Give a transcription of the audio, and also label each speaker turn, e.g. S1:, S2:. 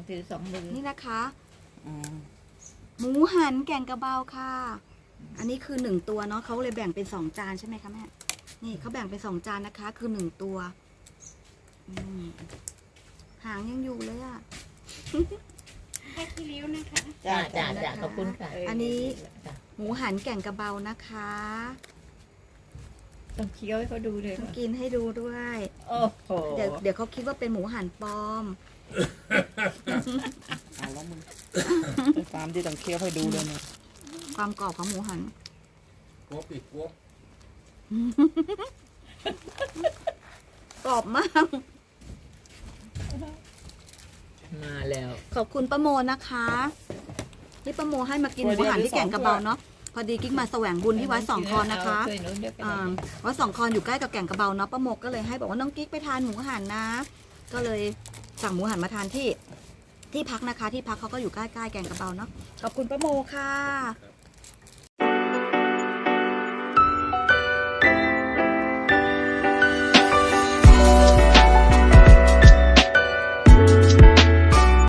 S1: ต้องถือ2 มือ
S2: นี่นะคะ
S3: อืม
S2: หมูหันแกงกระเบาค่ะ อันนี้คือ1ตัวเนาะเขาเลยแบ่งเป็น2 จานใช่ไหมคะแม่นี่เขาแบ่งเป็น2 จานนะคะ คือ1ตัวหางยังอยู่เลยอ่ะ
S4: แค่ขี้ริ้วนะคะ
S1: จ้าขอบคุณค่ะ
S2: อันนี้หมูหันแก่งกระเบานะคะ
S1: ต้องเคี้ยวให้เขาดูเลย
S2: ต้องกินให้ดูด้วย
S1: โอ้โห
S2: เดี๋ยวเขาคิดว่าเป็นหมูหันปลอม
S3: เอาแล้วมึงไอ้ฟาร์มที่ต้องเคี้ยวให้ดูเลยเนี่ย
S2: ความกรอบของหมูหัน
S5: กวบอีกกวบ
S2: กรอบมาก
S1: มาแล้ว
S2: ขอบคุณป้าโมนะคะที่ป้าโมให้มากินหมูหันที่แก่งกระเบาเนาะพอดีกิ๊กมาแสวงบุญที่วัดสองคอนนะคะ
S1: ช่วยหนูเดี๋ยวกัน
S2: วัดสองคอนอยู่ใกล้กับแก่งกระเบาเนาะป้าโมก็เลยให้บอกว่าน้องกิ๊กไปทานหมูหันนะ ก็เลยสั่งหมูหันมาทานที่พักนะคะ ที่พักเขาก็อยู่ใกล้ๆแก่งกระเบาเนาะขอบคุณป้าโมค่ะ
S5: ครับ